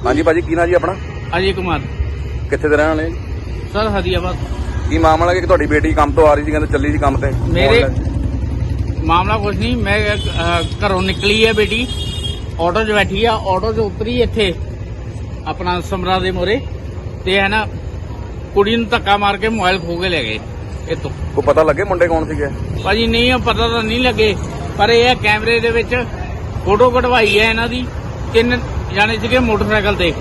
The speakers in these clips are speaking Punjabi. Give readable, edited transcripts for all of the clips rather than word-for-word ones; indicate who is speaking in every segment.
Speaker 1: हाँ जी भाजी की ना जी अपना
Speaker 2: अजय कुमार
Speaker 1: कितने ਦੇ ਰਹਿਣ ਵਾਲੇ
Speaker 2: सर हदियाबाद।
Speaker 1: ਕੀ ਮਾਮਲਾ ਕਿ ਤੁਹਾਡੀ ਬੇਟੀ ਕੰਮ ਤੋਂ ਆ ਰਹੀ ਸੀ ਕਹਿੰਦੇ ਚੱਲੀ ਸੀ ਕੰਮ ਤੇ
Speaker 2: मेरे मामला कुछ नहीं, मैं घरों निकली है बेटी, ऑटो च बैठी है, ऑटो च उतरी इत्थे अपना समरा दे मोरे ते है ना कुड़ी ਨੂੰ ਧੱਕਾ ਮਾਰ ਕੇ मोबाइल खो के ले गए इतों।
Speaker 1: ਕੋਈ ਪਤਾ ਲੱਗੇ ਮੁੰਡੇ ਕੌਣ ਸੀਗੇ?
Speaker 2: ਭਾਜੀ ਨਹੀਂ ਪਤਾ ਤਾਂ ਨਹੀਂ ਲੱਗੇ, ਪਰ ਇਹ ਹੈ ਕੈਮਰੇ ਦੇ ਵਿੱਚ ਫੋਟੋ ਕਢਵਾਈ ਹੈ ਇਹਨਾਂ ਦੀ। 3 ਜਾਣੇ ਸੀਗੇ ਮੋਟਰਸਾਈਕਲ ਤੇ।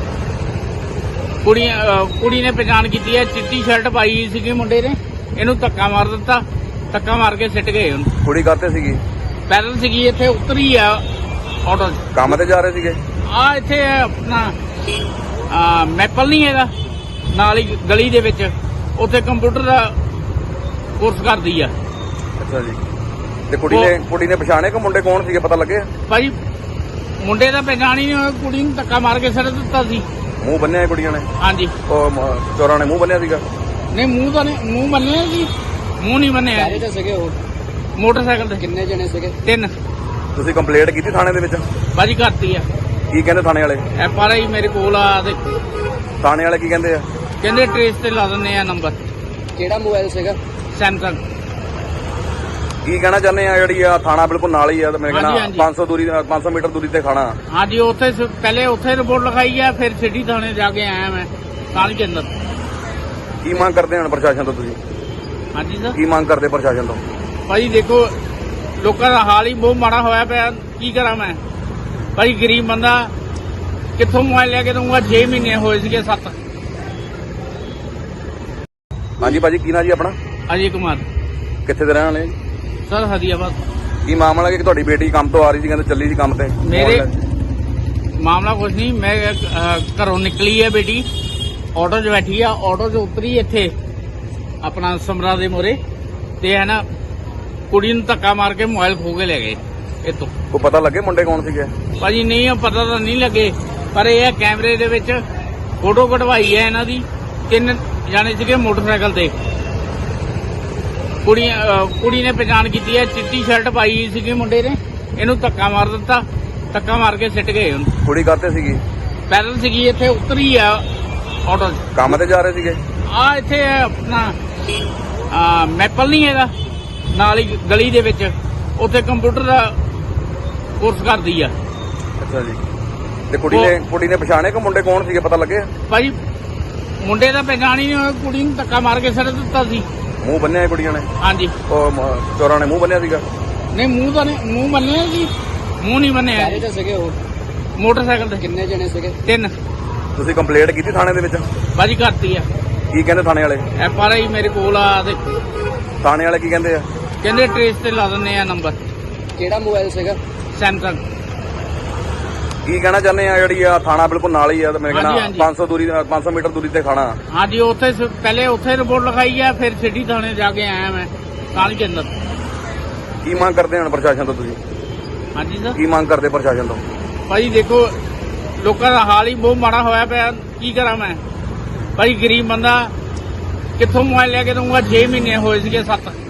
Speaker 2: ਕੁੜੀ ਨੇ ਪਛਾਣ ਕੀਤੀ ਹੈ, ਚਿੱਟੀ ਸ਼ਰਟ ਪਾਈ ਸੀਗੀ ਮੁੰਡੇ ਨੇ, ਇਹਨੂੰ ਧੱਕਾ ਮਾਰ ਦਿੱਤਾ, ਧੱਕਾ ਮਾਰ ਕੇ ਸਿੱਟ ਗਏ ਉਹਨੂੰ।
Speaker 1: ਕੁੜੀ ਕਰਤੇ ਸੀਗੀ?
Speaker 2: ਪੈਦਲ ਸੀਗੀ, ਇੱਥੇ ਉਤਰੀ ਆ ਆਟੋ 'ਚ।
Speaker 1: ਕੰਮ ਤੇ ਜਾ ਰਹੇ ਸੀਗੇ?
Speaker 2: ਆ ਇੱਥੇ ਆਪਣਾ ਮੈਪਲ ਨਹੀਂ ਹੈਗਾ ਨਾਲ ਹੀ ਗਲੀ ਦੇ ਵਿੱਚ, ਉੱਥੇ ਕੰਪਿਊਟਰ ਦਾ ਕੋਰਸ ਕਰਦੀ ਆ।
Speaker 1: ਅੱਛਾ ਜੀ। ਤੇ ਕੁੜੀ ਨੇ ਪਛਾਣੇ ਕਿ ਮੁੰਡੇ ਕੌਣ ਸੀਗੇ, ਪਤਾ ਲੱਗੇ?
Speaker 2: ਭਾਜੀ ਮੁੰਡੇ ਦਾ ਪਛਾਣ ਹੀ ਨਹੀਂ ਹੋਇਆ, ਕੁੜੀ ਨੂੰ ਧੱਕਾ ਮਾਰ ਕੇ ਸਿੱਟ ਦਿੱਤਾ ਸੀ।
Speaker 1: ਮੂੰਹ ਬੰਨਿਆ ਕੁੜੀਆਂ ਨੇ?
Speaker 2: ਹਾਂਜੀ।
Speaker 1: ਉਹ ਚੋਰਾਂ ਨੇ ਮੂੰਹ ਬੰਨਿਆ ਸੀਗਾ?
Speaker 2: ਨਹੀਂ ਮੂੰਹ ਤਾਂ ਨਹੀਂ, ਮੂੰਹ ਬੰਨਿਆ ਸੀ, ਮੂੰਹ ਨਹੀਂ ਬੰਨਿਆ।
Speaker 3: ਸਾਰੇ ਤਾਂ ਸੀਗੇ ਉਹ
Speaker 2: ਮੋਟਰਸਾਈਕਲ ਤੇ
Speaker 3: ਕਿੰਨੇ ਜਣੇ ਸੀਗੇ?
Speaker 2: 3।
Speaker 1: ਤੁਸੀਂ ਕੰਪਲੇਂਟ ਕੀਤੀ ਥਾਣੇ ਦੇ ਵਿੱਚ?
Speaker 2: ਭਾਜੀ ਕਰਤੀ ਆ।
Speaker 1: ਕੀ ਕਹਿੰਦੇ ਥਾਣੇ ਵਾਲੇ?
Speaker 2: FRI ਮੇਰੇ ਕੋਲ ਆ ਤੇ
Speaker 1: ਥਾਣੇ ਵਾਲੇ ਕੀ ਕਹਿੰਦੇ ਆ?
Speaker 2: ਕਹਿੰਦੇ ਟ੍ਰੇਸ ਤੇ ਲਾ ਦਿੰਦੇ ਆ ਨੰਬਰ।
Speaker 3: ਕਿਹੜਾ ਮੋਬਾਈਲ ਸੀਗਾ?
Speaker 2: ਸੈਮਸੰਗ।
Speaker 1: ਕੀ ਕਹਿਣਾ ਚਾਹੁੰਦੇ ਆ? ਜਿਹੜੀ ਆ ਥਾਣਾ ਬਿਲਕੁਲ ਨਾਲ ਹੀ ਆ ਤੇ ਮੈਂ ਕਹਿੰਦਾ
Speaker 2: ਹਾਂਜੀ।
Speaker 1: 500 ਮੀਟਰ ਦੂਰੀ ਤੇ ਖਾਣਾ।
Speaker 2: ਹਾਂਜੀ ਉੱਥੇ ਪਹਿਲੇ ਉੱਥੇ ਰਿਪੋਰਟ ਲਿਖਾਈ ਆ, ਫਿਰ ਸਿਟੀ ਥਾਣੇ ਜਾ ਕੇ ਆਇਆ ਮੈਂ ਕਾਲ ਕੇ ਅੰਦਰ।
Speaker 1: ਕੀ ਮੰਗ ਕਰਦੇ ਹਨ ਪ੍ਰਸ਼ਾਸਨ ਤੋਂ ਤੁਸੀਂ?
Speaker 2: ਹਾਂਜੀ ਸਰ।
Speaker 1: ਕੀ ਮੰਗ ਕਰਦੇ ਪ੍ਰਸ਼ਾਸਨ ਤੋਂ?
Speaker 2: ਭਾਜੀ ਦੇਖੋ ਲੋਕਾਂ ਦਾ ਹਾਲ ਹੀ ਬਹੁਤ ਮਾੜਾ ਹੋਇਆ ਪਿਆ, ਕੀ ਕਰਾਂ ਮੈਂ। ਭਾਜੀ ਗਰੀਬ ਬੰਦਾ ਕਿੱਥੋਂ ਮੋਬਾਈਲ ਲੈ ਕੇ ਦਊਂਗਾ? 6 ਮਹੀਨੇ ਹੋਏ ਸੀਗੇ 7।
Speaker 1: ਹਾਂਜੀ ਭਾਜੀ ਕੀ ਨਾ ਜੀ ਆਪਣਾ?
Speaker 2: ਅਜੇ ਕੁਮਾਰ।
Speaker 1: ਕਿੱਥੇ ਦੇ ਰਹਿਣ ਵਾਲੇ?
Speaker 2: ਸਰ ਹਦੀਆਬਾਦ।
Speaker 1: ਕੀ ਮਾਮਲਾ ਕਿ ਤੁਹਾਡੀ ਬੇਟੀ ਕੰਮ ਤੋਂ ਆ ਰਹੀ ਸੀ ਕਹਿੰਦੇ ਚੱਲੀ ਸੀ ਕੰਮ ਤੇ?
Speaker 2: ਮੇਰੇ ਮਾਮਲਾ ਕੁਝ ਨਹੀਂ, ਮੈਂ ਘਰੋਂ ਨਿਕਲੀ ਹੈ ਬੇਟੀ, ਆਟੋ 'ਚ ਬੈਠੀ ਆ, ਆਟੋ 'ਚ ਉਤਰੀ ਇੱਥੇ ਆਪਣਾ ਸਮਰਾ ਦੇ ਮੋਰੇ ਤੇ ਹੈ ਨਾ ਕੁੜੀ ਨੂੰ ਧੱਕਾ ਮਾਰ ਕੇ मोबाइल ਖੋ ਕੇ ਲੈ ਗਏ ਇਤੋਂ।
Speaker 1: ਕੋਈ ਪਤਾ ਲੱਗੇ ਮੁੰਡੇ ਕੌਣ ਸੀਗੇ?
Speaker 2: ਭਾਜੀ ਨਹੀਂ ਪਤਾ ਤਾਂ ਨਹੀਂ ਲੱਗੇ, ਪਰ ਇਹ ਹੈ ਕੈਮਰੇ ਦੇ ਵਿੱਚ ਫੋਟੋ ਕਢਵਾਈ ਹੈ ਇਹਨਾਂ ਦੀ। 3 ਜਾਣੇ ਸੀਗੇ ਮੋਟਰਸਾਈਕਲ ਤੇ। ਕੁੜੀ ਨੇ ਪਛਾਣ ਕੀਤੀ ਹੈ, ਚਿੱਟੀ ਸ਼ਰਟ ਪਾਈ ਸੀਗੀ ਮੁੰਡੇ ਨੇ, ਇਹਨੂੰ ਧੱਕਾ ਮਾਰ ਦਿੱਤਾ, ਧੱਕਾ ਮਾਰ ਕੇ ਸਿੱਟ ਗਏ ਉਹਨੂੰ।
Speaker 1: ਕੁੜੀ ਕਰਤੇ ਸੀਗੀ?
Speaker 2: ਪੈਦਲ ਸੀਗੀ, ਇੱਥੇ ਉਤਰੀ ਆ ਆਟੋ 'ਚ।
Speaker 1: ਕੰਮ ਤੇ ਜਾ ਰਹੇ ਸੀਗੇ?
Speaker 2: ਆ ਇੱਥੇ ਆਪਣਾ ਮੈਪਲ ਨਹੀਂ ਹੈਗਾ ਨਾਲ ਹੀ ਗਲੀ ਦੇ ਵਿੱਚ, ਉੱਥੇ ਕੰਪਿਊਟਰ ਦਾ ਕੋਰਸ ਕਰਦੀ ਆ।
Speaker 1: ਅੱਛਾ ਜੀ। ਤੇ ਕੁੜੀ ਨੇ ਪਛਾਣੇ ਕਿ ਮੁੰਡੇ ਕੌਣ ਸੀਗੇ, ਪਤਾ ਲੱਗੇ?
Speaker 2: ਭਾਜੀ ਮੁੰਡੇ ਦਾ ਪਛਾਣ ਹੀ ਨਹੀਂ ਹੋਇਆ, ਕੁੜੀ ਨੂੰ ਧੱਕਾ ਮਾਰ ਕੇ ਸਿੱਟ ਦਿੱਤਾ ਸੀ।
Speaker 1: ਮੂੰਹ ਬੰਨਿਆ ਕੁੜੀਆਂ ਨੇ?
Speaker 2: ਹਾਂਜੀ।
Speaker 1: ਉਹ ਚੋਰਾਂ ਨੇ ਮੂੰਹ ਬੰਨਿਆ ਸੀਗਾ?
Speaker 2: ਨਹੀਂ ਮੂੰਹ ਤਾਂ ਨਹੀਂ, ਮੂੰਹ ਬੰਨਿਆ ਸੀ, ਮੂੰਹ ਨਹੀਂ ਬੰਨਿਆ।
Speaker 3: ਸਾਰੇ ਤਾਂ ਸੀਗੇ ਉਹ
Speaker 2: ਮੋਟਰਸਾਈਕਲ ਤੇ
Speaker 3: ਕਿੰਨੇ ਜਣੇ ਸੀਗੇ?
Speaker 2: 3।
Speaker 1: ਤੁਸੀਂ ਕੰਪਲੇਂਟ ਕੀਤੀ ਥਾਣੇ ਦੇ ਵਿੱਚ?
Speaker 2: ਭਾਜੀ ਕਰਤੀ ਆ।
Speaker 1: ਕੀ ਕਹਿੰਦੇ ਥਾਣੇ ਵਾਲੇ?
Speaker 2: FRI ਮੇਰੇ ਕੋਲ ਆ ਤੇ
Speaker 1: ਥਾਣੇ ਵਾਲੇ ਕੀ ਕਹਿੰਦੇ ਆ?
Speaker 2: ਕਹਿੰਦੇ ਟ੍ਰੇਸ ਤੇ ਲਾ ਦਿੰਦੇ ਆ ਨੰਬਰ।
Speaker 3: ਕਿਹੜਾ ਮੋਬਾਈਲ ਸੀਗਾ?
Speaker 2: ਸੈਮਸੰਗ।
Speaker 1: ਕੀ ਕਹਿਣਾ ਚਾਹੁੰਦੇ ਆ? ਜਿਹੜੀ ਆ ਥਾਣਾ ਬਿਲਕੁਲ ਨਾਲ ਹੀ ਆ ਤੇ ਮੈਂ ਕਹਿੰਦਾ
Speaker 2: ਹਾਂਜੀ।
Speaker 1: 500 ਮੀਟਰ ਦੂਰੀ ਤੇ ਖਾਣਾ।
Speaker 2: ਹਾਂਜੀ ਉੱਥੇ ਪਹਿਲੇ ਉੱਥੇ ਰਿਪੋਰਟ ਲਿਖਾਈ ਆ, ਫਿਰ ਸਿਟੀ ਥਾਣੇ ਜਾ ਕੇ ਆਇਆ ਮੈਂ ਕਾਲ ਕੇ ਅੰਦਰ।
Speaker 1: ਕੀ ਮੰਗ ਕਰਦੇ ਹਨ ਪ੍ਰਸ਼ਾਸਨ ਤੋਂ ਤੁਸੀਂ?
Speaker 2: ਹਾਂਜੀ ਸਰ।
Speaker 1: ਕੀ ਮੰਗ ਕਰਦੇ ਪ੍ਰਸ਼ਾਸਨ ਤੋਂ?
Speaker 2: ਭਾਜੀ ਦੇਖੋ ਲੋਕਾਂ ਦਾ ਹਾਲ ਹੀ ਬਹੁਤ ਮਾੜਾ ਹੋਇਆ ਪਿਆ, ਕੀ ਕਰਾਂ ਮੈਂ। ਭਾਜੀ ਗਰੀਬ ਬੰਦਾ ਕਿੱਥੋਂ ਮੋਬਾਈਲ ਲੈ ਕੇ ਦਊਂਗਾ? 6 ਮਹੀਨੇ ਹੋਏ ਸੀਗੇ 7।